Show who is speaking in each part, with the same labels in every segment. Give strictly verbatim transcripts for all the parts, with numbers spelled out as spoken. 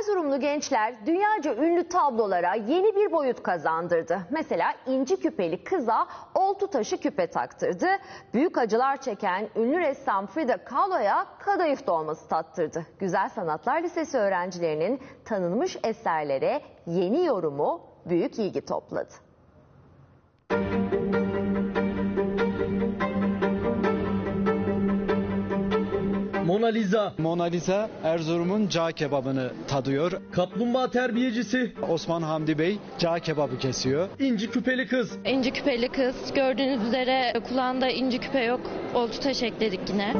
Speaker 1: Erzurumlu gençler dünyaca ünlü tablolara yeni bir boyut kazandırdı. Mesela inci küpeli kıza oltu taşı küpe taktırdı. Büyük acılar çeken ünlü ressam Frida Kahlo'ya kadayıf dolması tattırdı. Güzel Sanatlar Lisesi öğrencilerinin tanınmış eserlere yeni yorumu büyük ilgi topladı.
Speaker 2: Mona Lisa.
Speaker 3: Mona Lisa Erzurum'un cağ kebabını tadıyor.
Speaker 2: Kaplumbağa terbiyecisi.
Speaker 3: Osman Hamdi Bey cağ kebabı kesiyor.
Speaker 2: İnci küpeli kız.
Speaker 4: İnci küpeli kız. Gördüğünüz üzere kulağında inci küpe yok. Oltu taş ekledik yine.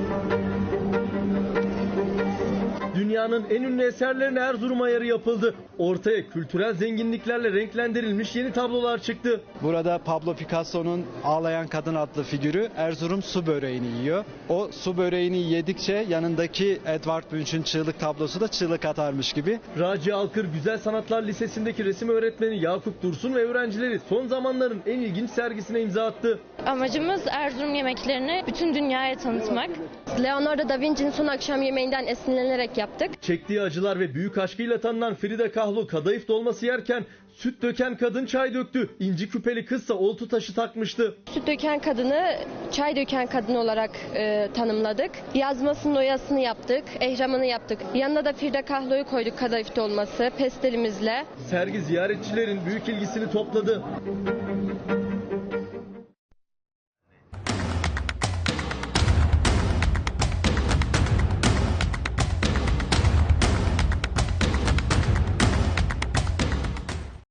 Speaker 2: Dünyanın en ünlü eserlerine Erzurum ayarı yapıldı. Ortaya kültürel zenginliklerle renklendirilmiş yeni tablolar çıktı.
Speaker 3: Burada Pablo Picasso'nun Ağlayan Kadın adlı figürü Erzurum su böreğini yiyor. O su böreğini yedikçe yanındaki Edvard Munch'un çığlık tablosu da çığlık atarmış gibi.
Speaker 2: Raci Alkır Güzel Sanatlar Lisesi'ndeki resim öğretmeni Yakup Dursun ve öğrencileri son zamanların en ilginç sergisine imza attı.
Speaker 4: Amacımız Erzurum yemeklerini bütün dünyaya tanıtmak. Leonardo da Vinci'nin Son Akşam Yemeği'nden esinlenerek yaptık.
Speaker 2: Çektiği acılar ve büyük aşkıyla tanınan Frida Kahlo kadayıf dolması yerken süt döken kadın çay döktü. İnci küpeli kızsa oltu taşı takmıştı.
Speaker 4: Süt döken kadını çay döken kadın olarak e, tanımladık. Yazmasının oyasını yaptık, ehramını yaptık. Yanına da Frida Kahlo'yu koyduk kadayıf dolması, pestelimizle.
Speaker 2: Sergi ziyaretçilerin büyük ilgisini topladı.